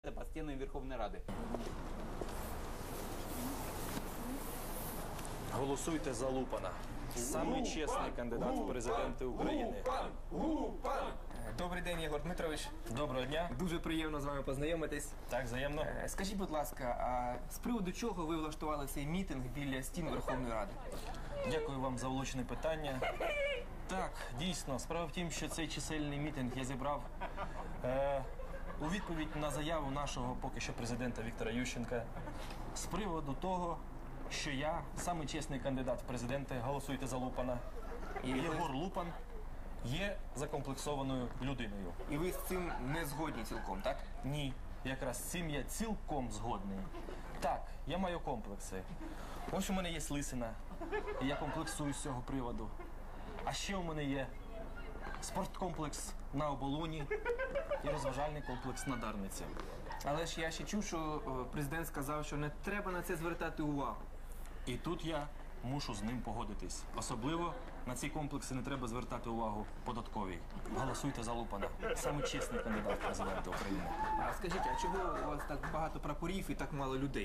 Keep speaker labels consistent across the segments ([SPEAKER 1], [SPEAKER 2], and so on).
[SPEAKER 1] по стенам Верховной Рады.
[SPEAKER 2] Голосуйте за Лупана. Самий чесний кандидат в президенти України.
[SPEAKER 3] Добрий день, Єгор Дмитрович.
[SPEAKER 2] Доброго дня.
[SPEAKER 3] Дуже приємно з вами познайомитись.
[SPEAKER 2] Так, взаємно.
[SPEAKER 3] Скажіть, будь ласка, а з приводу чого ви влаштували цей мітинг біля стін Верховної Ради?
[SPEAKER 2] Дякую вам за влучне питання. Так, дійсно, справа в тім, що цей чисельний мітинг я зібрав у відповідь на заяву нашого поки що президента Віктора Ющенка з приводу того, що я самий чесний кандидат в президенти, голосуйте за Лупана. І Єгор Лупан є закомплексованою людиною.
[SPEAKER 3] І ви з цим не згодні цілком, так?
[SPEAKER 2] Ні, якраз з цим я цілком згодний. Так, я маю комплекси. Ось у мене є слисина, і я комплексую з цього приводу. А ще у мене є спорткомплекс на Оболоні і розважальний комплекс на Дарниці.
[SPEAKER 3] Але ж я ще чув, що президент сказав, що не треба на це звертати увагу.
[SPEAKER 2] І тут я мушу з ним погодитись. Особливо на ці комплекси не треба звертати увагу податковій. Голосуйте за Лупана. Саме чесний кандидат в президенти України.
[SPEAKER 3] А скажіть, а чого у вас так багато прапорів і так мало людей?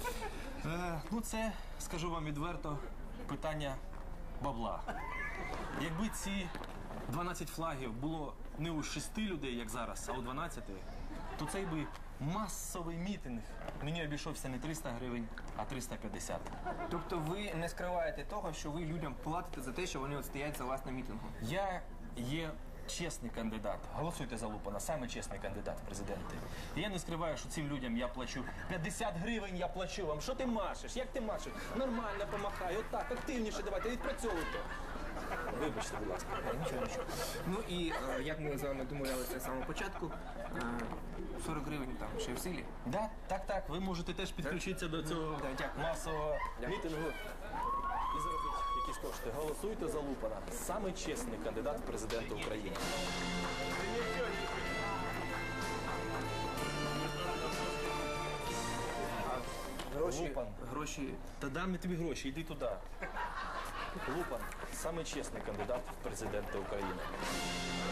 [SPEAKER 2] Ну це, скажу вам відверто, питання бабла. Якби ці 12 флагів було не у 6 людей, як зараз, а у 12, то цей би масовий мітинг мені обійшовся не 300 гривень, а 350.
[SPEAKER 3] Тобто ви не скриваєте того, що ви людям платите за те, що вони от стоять за вас на мітингу?
[SPEAKER 2] Я є чесний кандидат. Голосуйте за Лупана, саме чесний кандидат в президенти. І я не скриваю, що цим людям я плачу 50 гривень, я плачу вам. Що ти машеш? Як ти машеш? Нормально помахай, отак, активніше давайте, відпрацьовуйте. Вибачте, будь ласка. Нічого.
[SPEAKER 3] Ну і як ми з вами домовлялися з самого початку, 40 гривень там ще в силі.
[SPEAKER 2] Да, так, ви можете теж підключитися до цього
[SPEAKER 3] дякую.
[SPEAKER 2] масового мітингу і заробити якісь кошти. Голосуйте за Лупана. Самий чесний кандидат в президенти України. Лупан.
[SPEAKER 3] Гроші.
[SPEAKER 2] Та дам я тобі гроші, йди туди. Лупан – самий чесний кандидат в президенти України.